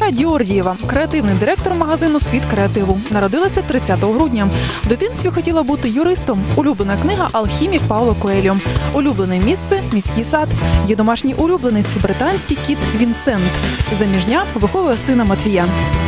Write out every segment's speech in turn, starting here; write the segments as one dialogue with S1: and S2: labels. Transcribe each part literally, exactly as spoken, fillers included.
S1: Тамара Діордієва, креативний директор магазину «Світ креативу». Народилася тридцятого грудня. В дитинстві хотіла бути юристом. Улюблена книга «Алхімік» Пауло Коельо. Улюблене місце – міський сад. Є домашній улюбленець – британський кіт Вінсент. Заміжня виховує сина Матвія.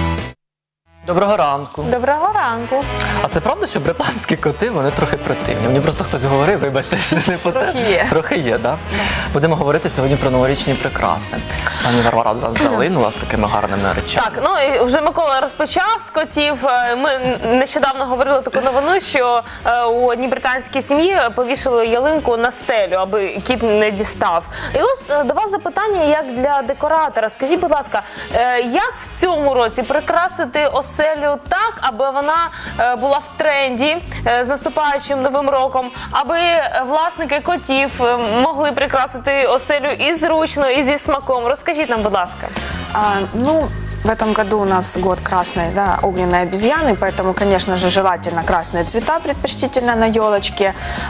S2: Доброго ранку.
S3: Доброго ранку.
S2: А це правда, що британські коти, вони трохи противні? Мені просто хтось говорив, вибачте, що не по те.
S3: Трохи є.
S2: Трохи є, так? Да? Будемо говорити сьогодні про новорічні прикраси. Пані Варвара до нас залинула з такими гарними речами.
S3: Так, ну і вже Микола розпочав з котів. Ми нещодавно говорили таку новину, що у одній британській сім'ї повішали ялинку на стелю, аби кіт не дістав. І ось до вас запитання, як для декоратора. Скажіть, будь ласка, як в цьому році прикрасити оселю так, аби вона була в тренді з наступаючим новим роком, аби власники котів могли прикрасити оселю і зручно, і зі смаком? Розкажіть нам, будь ласка.
S4: А, ну, в этом году у нас год красной, да, огненной обезьяны, поэтому, конечно же, желательно красные цвета, предпочтительно на елочке.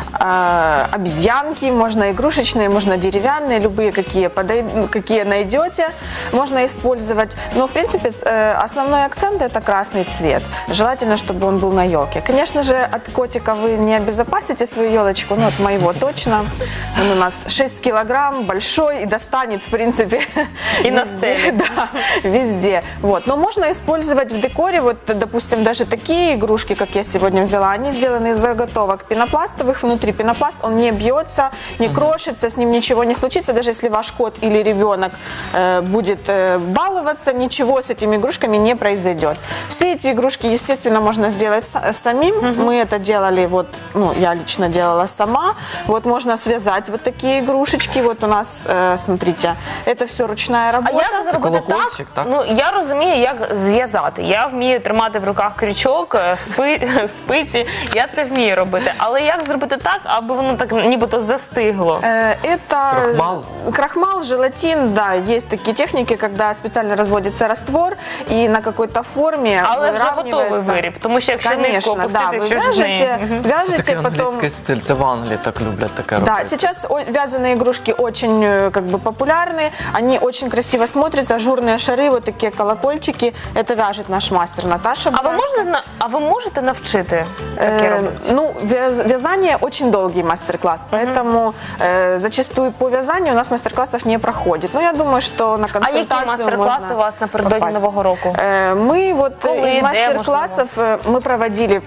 S4: А, обезьянки, можно игрушечные, можно деревянные, любые, какие, подой... какие найдете, можно использовать. Но, в принципе, основной акцент – это красный цвет. Желательно, чтобы он был на елке. Конечно же, от котика вы не обезопасите свою елочку, ну, от моего точно. Он у нас шесть килограмм, большой и достанет, в принципе,
S3: и на стеле.
S4: Да, везде. Вот. Но можно использовать в декоре, вот, допустим, даже такие игрушки, как я сегодня взяла, они сделаны из заготовок пенопластовых. Внутри пенопласт, он не бьется, не крошится, с ним ничего не случится. Даже если ваш кот или ребенок э, будет э, баловаться, ничего с этими игрушками не произойдет. Все эти игрушки, естественно, можно сделать самим. Мы это делали, вот, ну, я лично делала сама. Вот можно связать вот такие игрушечки. Вот у нас, э, смотрите, это все ручная работа.
S3: А як зробити
S2: колокольчик,
S3: так?
S2: так?
S3: Ну, я розумію, як зв'язати. Я вмію тримати в руках крючок, спи, спиці, я це вмію робити. Але як зробити так, аби воно так нібито застигло?
S4: Э, Это
S2: Крахмал?
S4: Крахмал, желатин, да, есть такие техники, когда специально разводится раствор и на какой-то форме
S3: Але вже готовий
S4: выравнивается.
S3: виріб, тому що якщо нитку
S4: Конечно, да,
S3: опустити,
S4: вы
S3: що ж з нею?
S4: вяжете,
S3: Мгм.
S2: Це
S4: вяжете
S2: такий
S4: потом...
S2: англійський стиль, це в Англії так люблять таке робити.
S4: Да, сейчас о- вязаные игрушки очень э, как бы популярны, они очень красиво смотрятся, ажурные шары, вот такие колокольчики, это вяжет наш мастер Наташа.
S3: А ви
S4: Бугарська.
S3: можете, на- а ви можете навчити таке
S4: Э,
S3: робити?
S4: Ну, вяз- вязание очень долгий мастер-класс, поэтому э, зачастую по вязанию у нас мастер-классов не проходит. Но я думаю, что на
S3: А які
S4: консультацию
S3: мастер-класи
S4: можно
S3: у вас напередодні
S4: попасть.
S3: Нового року?
S4: Э, Мы вот
S3: Коли,
S4: из
S3: де,
S4: мастер-классов э, мы проводили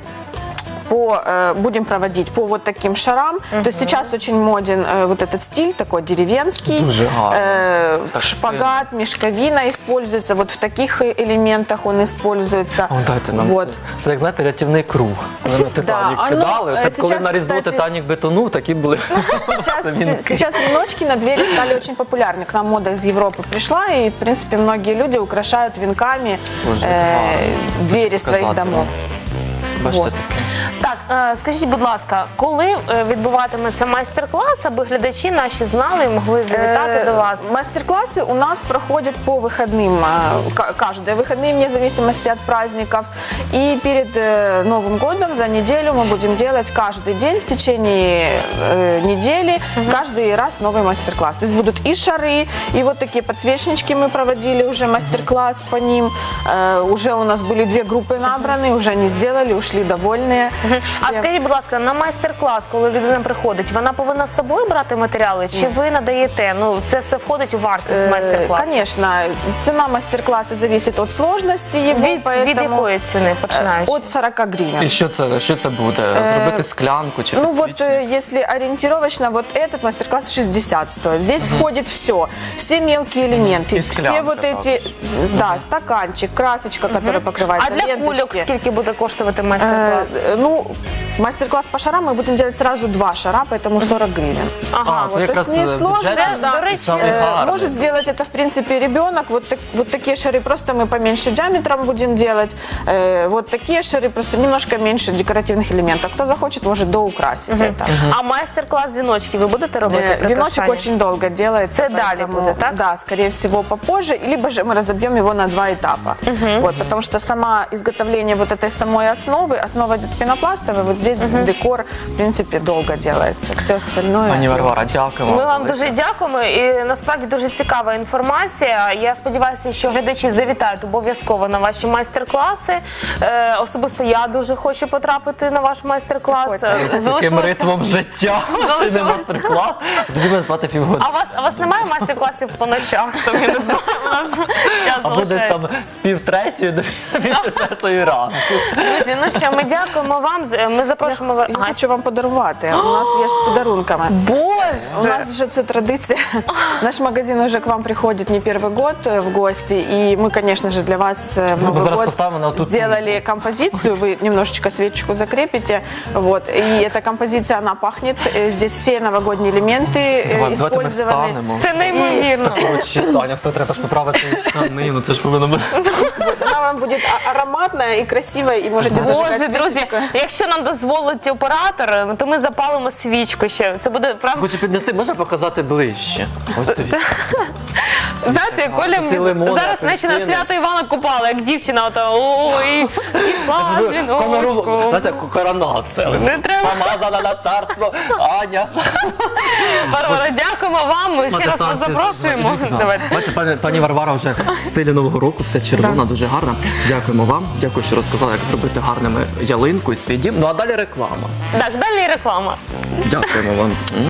S4: по, э, будем проводить по вот таким шарам. То есть сейчас очень моден э, вот этот стиль такой деревенский.
S2: Дуже гарно.
S4: Э,
S2: Так
S4: шпагат, мешковина используется. Вот в таких элементах он используется.
S2: О, дайте нам
S4: Вот.
S2: це. Це, як знаєте, рятівний круг. Коли на Титанік
S4: а ну,
S2: кидали,
S4: е,
S2: це коли
S4: сейчас,
S2: на Різдво
S4: кстати-
S2: Титанік бетонув, такі були.
S4: Сейчас,
S2: венки.
S4: сейчас веночки на двери стали очень популярны. К нам мода из Европы пришла, и, в принципе, многие люди украшают венками
S2: Боже,
S4: э,
S2: гарно.
S4: двери
S2: Хочу
S4: своих
S2: показати
S4: домов.
S2: вам. Бачите
S4: Вот.
S2: таке?
S3: Так, е, скажіть, будь ласка, коли е, відбуватиметься майстер-клас, аби глядачі наші знали і могли завітати
S4: Э,
S3: до вас?
S4: Мастер-классы у нас проходят по выходным, э, ка- каждые выходные, вне зависимости от праздников. И перед э, Новым годом за неделю мы будем делать каждый день в течение э, недели, каждый раз новый мастер-класс. То есть будут и шары, и вот такие подсвечнички мы проводили уже мастер-класс по ним. Э, уже у нас были две группы набраны, уже они сделали, ушли довольные.
S3: А
S4: все.
S3: скажіть, будь ласка, на майстер-клас, коли людина приходить, вона повинна з собою брати матеріали, чи ви надаєте? Ну, це все входить у вартість
S4: Э,
S3: майстер-класу?
S4: Конечно, цена мастер-класса зависит от сложности его,
S3: Від, від
S4: поэтому
S3: якої ціни починаючи?
S4: от сорок гривен.
S2: І що це, що це буде? Зробити склянку чи
S4: Ну вот,
S2: підсвічник?
S4: э, если ориентировочно, вот этот мастер-класс шестьдесят стоит. Здесь входит все, все мелкие элементы,
S2: И
S4: все
S2: склянка
S4: вот эти,
S2: также.
S4: да, стаканчик, красочка, которая покрывается,
S3: А для кульок
S4: ленточки.
S3: скільки буде коштувати
S4: Э,
S3: майстер-клас?
S4: ну, мастер-класс по шарам мы будем делать сразу два шара, поэтому сорок гривен.
S3: Ага,
S2: А,
S4: вот,
S2: це
S4: то
S2: якраз
S4: есть не сложно,
S2: бюджетний
S4: да.
S3: До речі,
S2: і самий
S4: Э,
S2: гарний.
S4: Может сделать это, в принципе, ребенок. Вот, так- вот такие шары просто мы поменьше диаметром будем делать. Э, Вот такие шары просто немножко меньше декоративных элементов. Кто захочет, может доукрасить это.
S3: А майстер-клас віночки ви будете робити?
S4: Э, Веночек
S3: прикрашання?
S4: очень долго делается.
S3: Это далее
S4: поэтому,
S3: будет, так?
S4: Да, скорее всего, попозже. Либо же мы разобьем его на два этапа. Вот, потому что сама изготовление вот этой самой основы, основа идет пенопластовая, вот здесь здесь декор, в принципе, долго делается. Все остальное...
S2: Пані Варвара, дякуємо.
S3: Ми вам
S2: велике.
S3: дуже дякуємо, і насправді дуже цікава інформація. Я сподіваюся, що глядачі завітають обов'язково на ваші майстер-класи. Е, особисто я дуже хочу потрапити на ваш майстер-клас.
S4: Приходьте.
S2: З таким
S3: Залишилося-
S2: ритмом життя,
S3: Залишилося.
S2: ще не мастер-клас, тоді буде спати півгодини.
S3: А у вас, а у вас немає майстер-класів по ночах? Там, я не знаю, у нас час
S2: Або десь
S3: залишається.
S2: там з пів третьої до пів четвертої ранку.
S3: Друзі, ну що, ми дякуємо вам. З- Ми запрошуємо вас.
S4: Я хочу вам подарувати. У нас є ж з подарунками. У
S3: Боже!
S4: нас же это традиция. Наш магазин уже к вам приходит не первый год э, в гости. И мы, конечно же, для вас э, в
S2: Мы
S4: Новый
S2: зараз
S4: год
S2: поставим на тут-
S4: сделали композицию. Вы немножечко свечечку закрепите. Вот. И эта композиция, она пахнет. Э, Здесь все новогодние элементы э,
S2: Давай, давайте ми
S4: использованы.
S2: встанемо.
S3: Це неймовірно.
S2: Коротше, Таня, все треба ж поправити штани, ну це ж повинно бути.
S4: Вот. Она вам будет а- ароматная и красивая. И можете зажигать
S3: Боже, друзі,
S4: свечечку.
S3: якщо нам дозволить оператор, то ми запалимо свічку ще. Це буде правда.
S2: Хочу піднести, можна показати ближче? Ось дивіться.
S3: Знаєте, Коля
S2: Тут і лимони,
S3: зараз наче на
S2: апельсини.
S3: свято Івана купала, як дівчина, ото ой, пішла з
S2: Камеру,
S3: віночком.
S2: знаєте, коронація.
S3: Не треба.
S2: Помазана на царство, Аня.
S3: Варвара, дякуємо вам. Ми ще раз вас запрошуємо. Давайте.
S2: Бачите, пані, пані Варвара вже в стилі Нового року, все червона, дуже гарна. Дякуємо вам. Дякую, що розказали, як зробити гарними ялинку і свій дім. Ну а далі реклама.
S3: Так, далі реклама.
S2: Дякуємо вам.